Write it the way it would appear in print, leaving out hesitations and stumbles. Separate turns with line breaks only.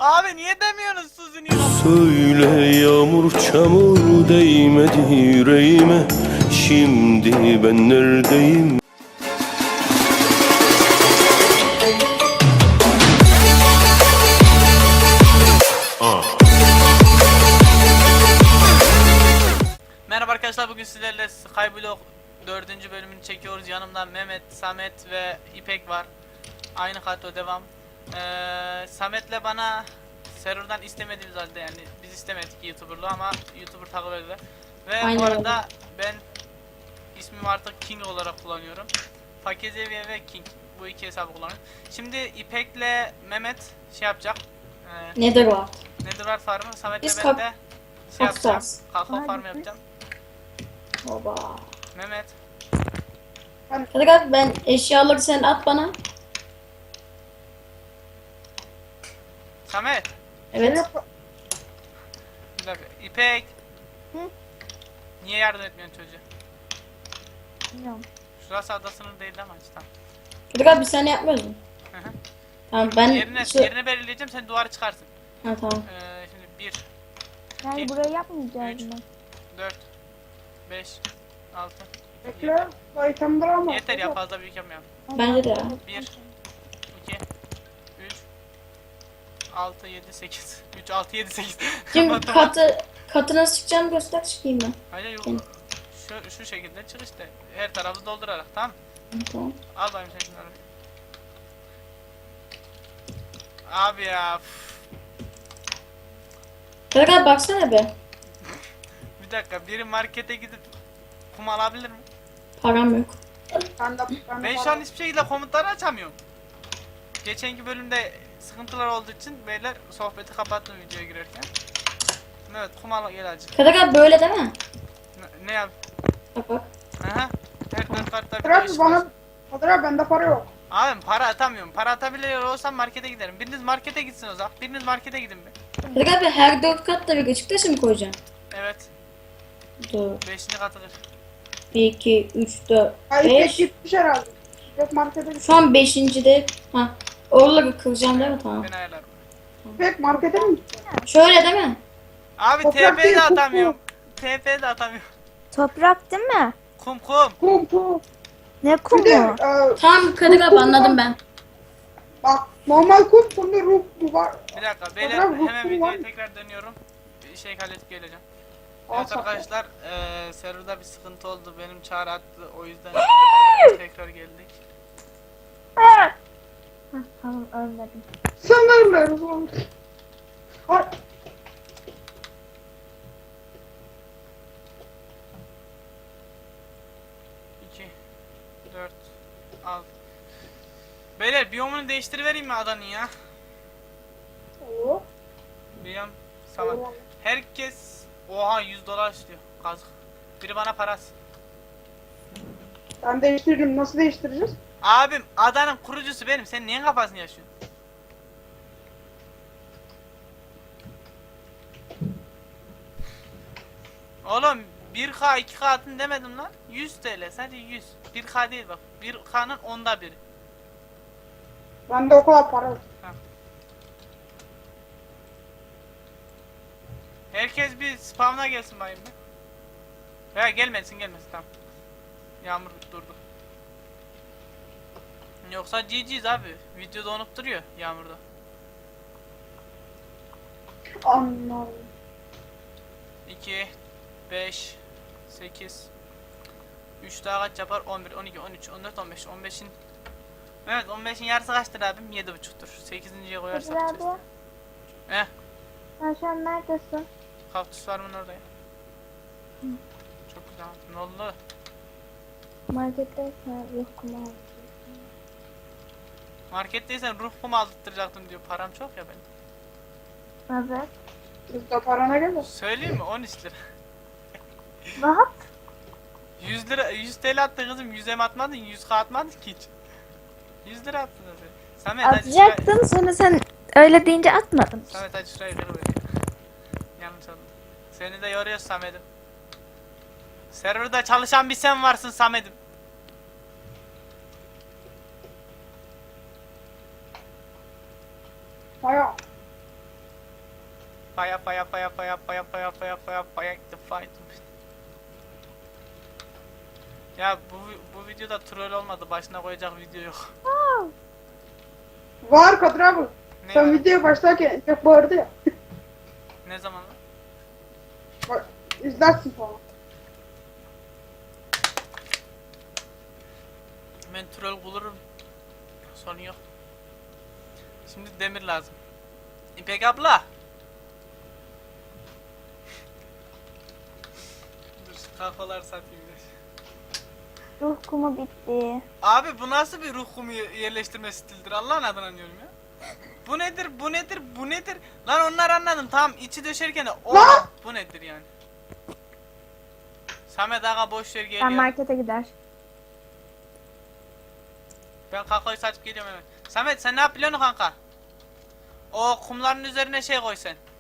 Abi niye demiyorsunuz Suzu'nun?
Söyle yağmur çamur değmedi yüreğime. Şimdi ben neredeyim?
Merhaba arkadaşlar, bugün sizlerle Skyblock 4. bölümünü çekiyoruz. Yanımda Mehmet, Samet ve İpek var. Aynı kadro devam. Samet'le bana serverdan istemediğimiz halde, yani biz istemedik YouTuber'lığı ama YouTuber takip ediyor. Ve
Aynen
bu arada ben ismimi artık King olarak kullanıyorum. Fakezeviye ve King, bu iki hesabı kullanıyorum. Şimdi İpek'le Mehmet şey yapacak.
Netherworld.
Netherworld farmı, Samet'le
Biz
ben de şey yapacağım.
Kapsaz.
Kakao farmı yapacağım.
Baba.
Mehmet.
Hadi abi, ben eşyaları sen at bana.
Samet.
Evet.
Bir dakika. İpek.
Hı?
Niye yardım etmiyorsun çocuğa?
Bilmiyorum.
Şurası ada sınırı değil ama tamam.
Hadi abi, sen yapmıyoruz mu?
Hı hı.
Tamam ben
Yerini belirleyeceğim, sen duvarı çıkarsın.
Ha tamam.
Şimdi 1,
Yani
İki,
burayı yapmayacağız
üç.
mı?
4, 5, 6.
Bekle, itemdir ama.
Yeter ya, fazla büyük yapmayalım.
Bence de ya.
1, 2, 3, 6, 7, 8. 3, 6, 7, 8.
Şimdi katı nasıl çıkacağımı göster, çıkayım ben.
Hayır yok.
Hı.
Şu şekilde çık işte. Her tarafı doldurarak, tamam mı?
Tamam.
Al bakayım sen şunları. Abi ya.
Hadi abi baksana be.
Bir dakika, biri markete gidip kum alabilir mi?
Param yok.
Ben şu an hiçbir şekilde komutları açamıyorum. Geçenki bölümde sıkıntılar olduğu için beyler sohbeti kapattım videoya girerken. Evet, kum al gel acı.
Hadi abi böyle değil mi?
Ne yap?
Bak bak.
Aha. Her dört kartta bir
Kadir
değişik
abi
var.
bana... Kadir abi bende para yok.
Abi para atamıyorum. Para atabiliyor olsam markete giderim. Biriniz markete gitsin o zaman. Biriniz markete gidin be.
Hadi abi, her 4 katta bir ışık taşı mı koyacaksın?
Evet.
Dur.
5. katılır.
1, 2, 3, 4,
Ay pek
5.
gitmiş herhalde. Pek markete gitmiş.
Şu an 5.'de. Ha. Oraları kıracağım değil mi? Tamam.
Ben ayarlarım.
Pek markete mi gitti?
Şöyle değil mi?
Abi
Toprak
TP
değil,
de
kum,
atamıyorum. TP de atamıyorum.
Toprak değil mi?
Kum kum.
Kum.
Ne
Bir
kumu?
de
Tamam Kadir abi, anladım ben.
bak normal kum, sonra ruh mu var?
Bir dakika beyler,
Toprak kum
hemen
var
videoya
mı?
tekrar dönüyorum. Bir şey halledip geleceğim.
Al
Evet
sakla.
arkadaşlar, serverda bir sıkıntı oldu. Benim çağrı attı, o yüzden tekrar geldik.
Hah, tamam ölmedim.
Sınırlarız oğlum. Ay,
2, 4, 6. Beyler biyomunu değiştirivereyim mi adanın ya?
olur.
Biyom tamam. Herkes oha $100 istiyor. Kazık. Biri bana parası.
Ben değiştiririm. Nasıl değiştireceğiz?
Abim adanın kurucusu benim. Sen niye kafasını yaşıyorsun? Oğlum 1K 2K atın demedim lan. 100 TL sadece 100. 1K değil bak. 1K'nın onda biri.
Bende o kadar para yok.
Herkes bir spamına gelsin bayım be. Veya gelmesin tamam. Yağmur durdu. Yoksa GG'yiz abi. Video donup duruyor yağmurda.
Anladım.
2, 5, 8, 3 daha kaç yapar? 11, 12, 13, 14, 15. 15'in Evet, 15'in yarısı kaçtır abim? 7,5'tur. 8.'ye koyarsak
Kadir
gideceğiz.
abi,
Heh,
sen şu an neredesin?
kaktüs farmın oradayım. Çok güzel. Ne oldu?
Marketteysen yok kumu al.
Marketteysen ruh kumu aldırtacaktım diyor. Param çok ya benim.
Evet.
Bizde para ne gelir?
Söyleyeyim mi? 13 lira.
Rahat.
100 lira, 100 TL attın kızım. 100'e mi atmadın? 100K atmadın ki hiç. 100 lira attın zaten. Samet hadi şuraya,
Atacaktım, sonra sen öyle deyince atmadın.
Samet hadi şurayı kırıver. Yanlış oldu. Seni de yoruyoruz Samet'im. Serverda çalışan bir sen varsın Samet'im.
Baya.
Fire fire fire fire fire fire fire fire fire the fight. Ya bu videoda troll olmadı. Başına koyacak video yok.
Var Kadir abi.
Ne
Sen
var?
videoya başlarken çok bağırdı ya.
Ne zaman lan?
Bak, izlersin falan.
Ben troll bulurum. Sorun yok. Şimdi demir lazım. İpek abla. Dur şu kafalar satayım. da.
Ruh kumu bitti.
Abi bu nasıl bir ruh kumu yerleştirme stilidir? Allah'ın adına diyorum ya. Bu nedir? Bu nedir? Bu nedir? Lan onlar anladım. Tamam içi döşerken de
Lan!
bu nedir yani? Samet aga boş ver
Ben
geliyor.
markete gider.
Ben kakayı saçıp geliyorum hemen. Samet sen ne yapıyorsun kanka? O kumların üzerine şey koy sen.